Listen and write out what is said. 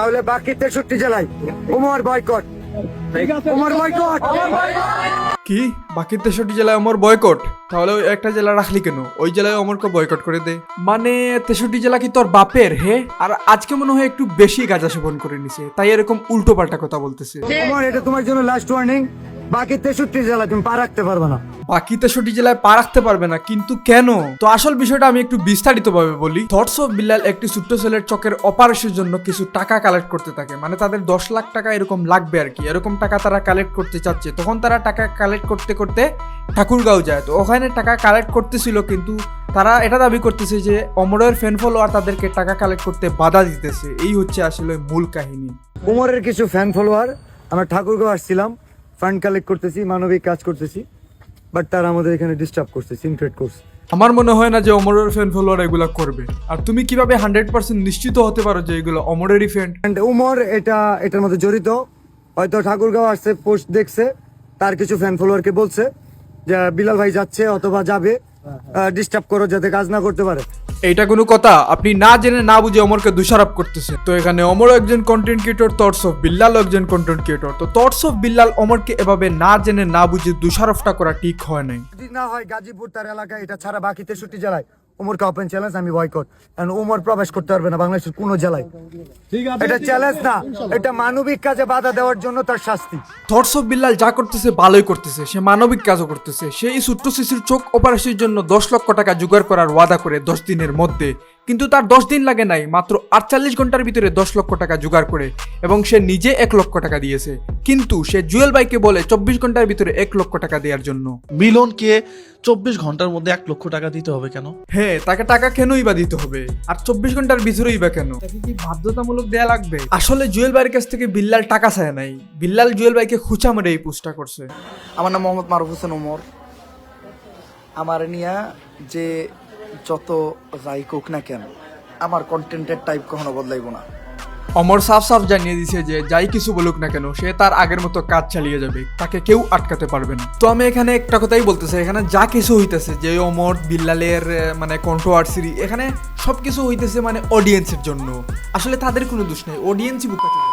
তাহলে বাকি 63 জেলায় ওমর বয়কট। ওমর বয়কট। কি বাকি 63 জেলায় অমর বয়কট? তাহলে ওই একটা জেলা রাখলি কেন? ওই জেলায় অমরকে বয়কট করে দে। মানে 63 জেলা কি তোর বাপের? হে, আর আজকে মনে হয় একটু বেশি গাঁজা সেবন করে নিছে, তাই এরকম উল্টো পাল্টা কথা বলতেছে। ওমর, এটা তোমার জন্য লাস্ট ওয়ার্নিং। বাকি 63 জেলা তুমি পা রাখতে পারবে না। বাকি 63 জেলায় পা রাখতে পারবে না, কিন্তু কেন? তো আসল বিষয়টা আমি একটু বিস্তারিত ভাবে বলি। থটস অফ বিল্লাল একটি ছোট্ট ছেলের চোখের অপারেশনের জন্য কিছু টাকা কালেক্ট করতে থাকে, মানে তাদের 10 লাখ টাকা এরকম লাগবে আর কি, এরকম টাকা তারা কালেক্ট করতে চাচ্ছে। তখন তারা টাকা কালেক্ট করতে করতে ঠাকুরগাঁও যায়। তো ওখানে টাকা কালেক্ট করতেছিল, কিন্তু তারা এটা দাবি করতেছে যে অমরের ফ্যান ফলোয়ার তাদেরকে টাকা কালেক্ট করতে বাধা দিতেছে। এই হচ্ছে আসলে মূল কাহিনী। ওমরের কিছু ফ্যান ফলোয়ার, আমরা ঠাকুরগাঁও আসছিলাম, ফান্ড কালেক্ট করতেছি, মানবিক কাজ করতেছি, বাট তারা আমাদের এখানে ডিস্টার্ব করছে, সিনক্রেট করছে। আমার মনে হয় না যে অমরের ফ্যান ফলোয়ার এগুলো করবে। আর তুমি কিভাবে 100% নিশ্চিত হতে পারো যে এগুলো অমরেরই ফ্যান? And উমর এটার মধ্যে জড়িত। হয়তো ঠাকুরগাঁও আসছে, পোস্ট দেখছে, তার কিছু ফ্যান ফলোয়ারকে বলছে যে বিলাল ভাই যাচ্ছে অথবা যাবে, ডিস্টার্ব করো যাতে কাজ না করতে পারে। এইটা কোনো কথা? আপনি না জেনে না বুঝে অমরকে দোষারোপ করতেছে। তো এখানে অমর একজন content creator, thoughts of Billal একজন কন্টেন্ট ক্রিয়েটর। তো থটস অফ বিল্লাল অমরকে এভাবে না জেনে না বুঝে দোষারোপটা করা ঠিক হয় নাই। যদি না হয় গাজীপুর তার এলাকায়, এটা ছাড়া বাকি 63 জেলায় উমরকে ওপেন চ্যালেঞ্জ, আমি বয়কট। কারণ উমর প্রবেশ করতে পারবে না বাংলাদেশের কোনো জেলায়। এটা চ্যালেঞ্জ না, এটা মানবিক কাজে বাধা দেওয়ার জন্য তার শাস্তি। থটস অফ বিল্লাল যা করতেছে ভালোই করতেছে, সে মানবিক কাজও করতেছে। সে এই ছোট্ট শিশুর চোখ অপারেশনের জন্য 10 লক্ষ টাকা জোগাড় করার ওয়াদা করে 10 দিনের মধ্যে, কিন্তু তার 10 দিন লাগে নাই, মাত্র 48 ঘন্টার ভিতরে 10 লক্ষ টাকা জোগাড় করে, এবং সে নিজে 1 লক্ষ টাকা দিয়েছে। কিন্তু সে জুয়েল ভাইকে বলে 24 ঘন্টার ভিতরে 1 লক্ষ টাকা দেওয়ার জন্য। মিলনকে 24 ঘন্টার মধ্যে 1 লক্ষ টাকা দিতে হবে কেন? হ্যাঁ, তাকে টাকা কেনই বা দিতে হবে? আর 24 ঘন্টার ভিতরেই বা কেন? তাকে কি বাধ্যতামূলক দেয়া লাগবে? আসলে জুয়েল ভাইয়ের কাছ থেকে বিল্লাল টাকা চায় নাই, বিল্লাল জুয়েল ভাইকে খুচা মেরে এই পোস্টটা করছে। আমার নাম মোহাম্মদ মারুফ হোসেন ওমর। আমার নিয়া যে যত যাই কোক না কেন, আমার কন্টেন্টের টাইপ কখনো বদলাইব না। অমর সাফ সাফ জানিয়ে দিছে যে যাই কিছু বলুক না কেন, সে তার আগের মতো কাজ চালিয়ে যাবে, তাকে কেউ আটকাতে পারবে না। তো আমি এখানে একটা কথাই বলতে চাই, এখানে যা কিছু হইতেছে, যে অমর বিল্লালের মানে কন্ট্রোভার্সি, এখানে সবকিছু হইতেছে মানে অডিয়েন্সের জন্য। আসলে তাদের কোনো দোষ নেই, অডিয়েন্সই বুকাচ্ছে।